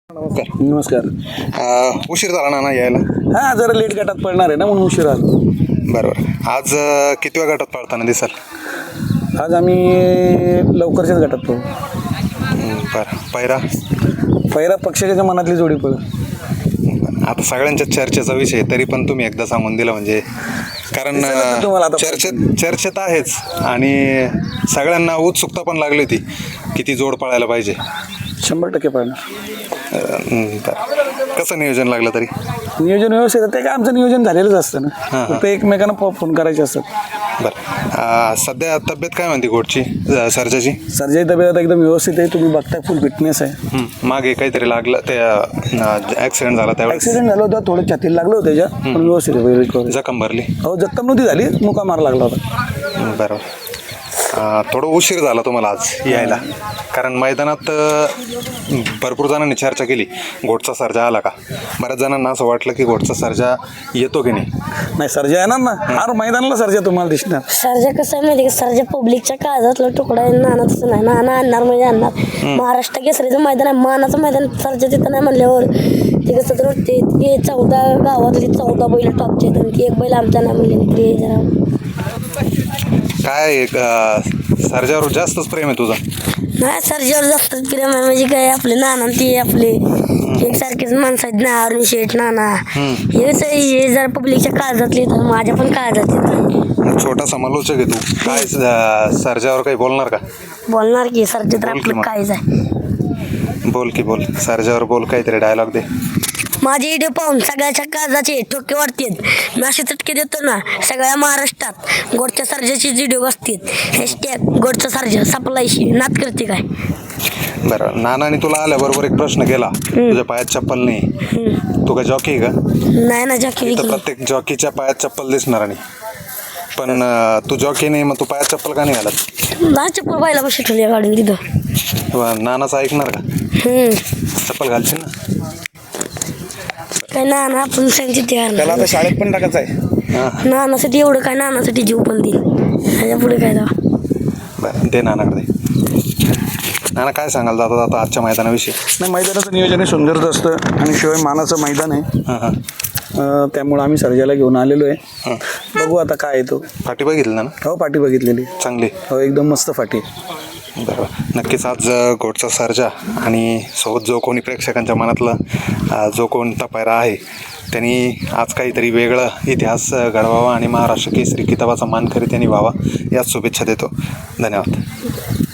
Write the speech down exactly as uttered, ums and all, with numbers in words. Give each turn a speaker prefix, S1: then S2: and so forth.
S1: नमस्कार.
S2: नमस्कार.
S1: अ, उशीर झाला ना ना यायला.
S2: हां जरा लेट गटात पडणार आहे ना म्हणून उशीर आलो.
S1: बरोबर. आज अ, कितव्या गटात पळताना दिसाल?
S2: आज आम्ही लवकरच्याच गटात पडू.
S1: हं, बरं. पैरा
S2: पहिला पक्षाच्या मनातली जोडी पळ.
S1: आता सगळ्यांच्या चर्चेचा विषय तरी पण तुम्ही एकदा सांगून दिला म्हणजे कारण
S2: दिसेलच ना तुम्हाला आता.
S1: चर्चेत चर्चेत आहेच आणि सगळ्यांना उत्सुकता पण लागली होती की ती जोड पळायला पाहिजे.
S2: शंभर टक्के पडणार.
S1: अ, हं, बरं. कसं नियोजन लागलं तरी?
S2: नियोजन व्यवस्थित आहे. ते काय आमचं नियोजन झालेलंच असतं ना.
S1: हां.
S2: फक्त एकमेकांना फ- फोन करायचे असतात.
S1: बरं. अ, सध्या तब्येत काय म्हणते घोटची अ, सर्जाची?
S2: सर्जाई तब्येत आता एकदम व्यवस्थित आहे. तुम्ही बघताय फुल फिटनेस आहे.
S1: हं, मागे काहीतरी लागलं ते ॲक्सिडेंट झाला त्यावेळेस
S2: ॲक्सिडेंट झालं होतं, थोडं छातीला लागलं होतं त्याच्या, पण व्यवस्थित आहे रिकव्हरी.
S1: जखम भरली.
S2: हो जखम नव्हती झाली, मुका मार लागला होता.
S1: बरोबर. अं, थोडं उशीर झाला तुम्हाला आज यायला कारण मैदानात अं, भरपूर जणांनी चर्चा केली घोटचा सर्जा आला का. बऱ्याच जणांना असं वाटलं की घोटचा सर्जा येतो की नाही.
S2: नाही सर्जा येणार ना, हर मैदानाला सर्जा तुम्हाला दिसणार.
S3: सर्जा कसं आहे माहिती का, सर्जा पब्लिकच्या काळजातला तुकडा आहे. नाना तसं नाही, नाना आणणार म्हणजे आणणार. महाराष्ट्र केसरीचं मैदान आहे, मानाचं मैदान. सर्जा तिथं नाही म्हणल्यावर ते कसं तर वाटते ते चौदा गावातली चौदा बैल टॉपचे आहेत आणि ती एक बैल आमच्या नाही म्हणले तरी जरा
S1: काय अं, सर्जावर जास्तच प्रेम आहे तुझं.
S3: नाही. सर्जावर जास्त प्रेम आहे म्हणजे काय, आपले नाना ते आपले एकसारखेच माणसं आहेत ना. अरुण शेठ नाना हे कसं आहे, हे जरा पब्लिकच्या काळजातले येतात, माझ्या पण काळजात येतात.
S1: छोटा समालोचक आहे तू. काय अं, सर्जावर काही बोलणार का?
S3: बोलणार की सर्जा तर
S1: बोल की
S3: आपलं
S1: मग.
S3: कायच आहे.
S1: बोल की बोल. सर्जावर बोल काहीतरी डायलॉग दे.
S3: माझे व्हिडिओ पाहून सगळ्याच्या काळजाचे ठोके वाढतात. मी असे चटके देतो ना सगळ्या महाराष्ट्रात. गोडच्या सर्जाची व्हिडिओ बसतात. हॅशटॅग गोडचा सर्जा सप्लायशी नात करते काय.
S1: बरं. नानाने तुला आल्याबरोबर एक प्रश्न केला, तुझ्या पायात चप्पल नाही, तू काय जॉकी आहे का?
S3: नाही ना जॉकी
S1: तर प्रत्येक जॉकीच्या पायात चप्पल दिसणार नाही पण अं, तू जॉकी नाही, मग तू पायात चप्पल का नाही घालत?
S3: ना चप्पल पाहिला बस ठेवली गाडून तिथं.
S1: किंवा नानाचं ऐकणार का?
S3: हम्म.
S1: चप्पल घालशील ना.
S3: काय नाना आपण सांगते ते
S2: त्याला आता शाळेत पण टाकायचं आहे.
S1: हां.
S3: नानासाठी एवढं काय, नानासाठी जीव पण देईल ह्याच्या पुढे काय तेव्हा.
S1: बरं दे नानाकडे. नाना काय सांगाल जाता जाता आजच्या मैदानाविषयी?
S2: नाही मैदानाचं नियोजन हे सुंदरच असतं आणि शिवाय मानाचं मैदान आहे.
S1: हां हां
S2: अं, त्यामुळं आम्ही सर्जाला घेऊन आलेलो आहे.
S1: हां.
S2: बघू आता काय येतो.
S1: फाटी बघितलं ना?
S2: हो पाठी बघितलेली.
S1: चांगली.
S2: हो एकदम मस्त फाटी.
S1: बरोबर. नक्कीच आज अ, घोटचा सर्जा आणि सोबत जो कोणी प्रेक्षकांच्या मनातला अ, जो कोणता पायरा आहे त्यांनी आज काहीतरी वेगळा इतिहास अ, घडवावा आणि महाराष्ट्र केसरी किताबाचा मानकरी त्यांनी व्हावा याच शुभेच्छा देतो. धन्यवाद.